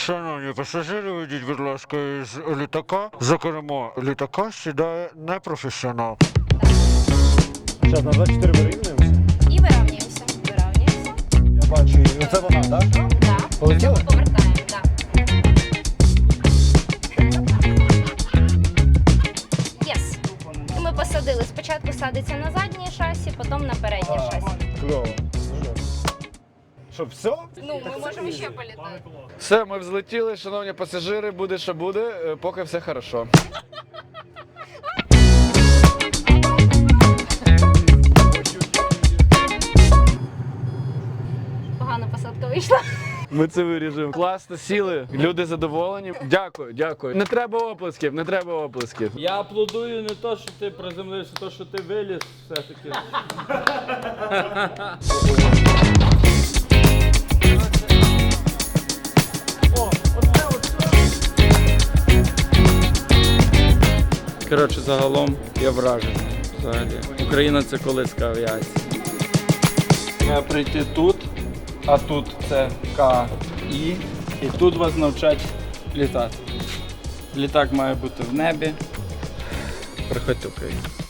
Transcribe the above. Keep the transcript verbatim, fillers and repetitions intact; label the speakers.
Speaker 1: Шановні пасажири, вийдіть, будь ласка, із літака. За кермо літака сідає непрофесіонал.
Speaker 2: Зараз на двадцять чотири вирівнюємося.
Speaker 3: І вирівнюємося. Вирівнюємося.
Speaker 2: Я бачу її. Оце вона, так?
Speaker 3: Так.
Speaker 2: Полетіли?
Speaker 3: Повертаємо, так. Єс. І ми посадили. Спочатку садиться на заднє шасі, потім на переднє шасі.
Speaker 2: Кльово. Що, все?
Speaker 3: Ну, ми можемо ще політати.
Speaker 4: Все, ми взлетіли, шановні пасажири, буде що буде, е, поки все хорошо.
Speaker 3: Погана посадка вийшла.
Speaker 4: Ми це виріжемо. Класно сіли, люди задоволені. Дякую, дякую. Не треба оплесків, не треба оплесків.
Speaker 5: Я аплодую не то, що ти приземлився, то, що ти виліз все-таки. Коротше, загалом я вражений. Взагалі. Україна – це колиска авіації. Треба прийти тут, а тут це К І, і тут вас навчать літати. Літак має бути в небі. Приходьте в Україну.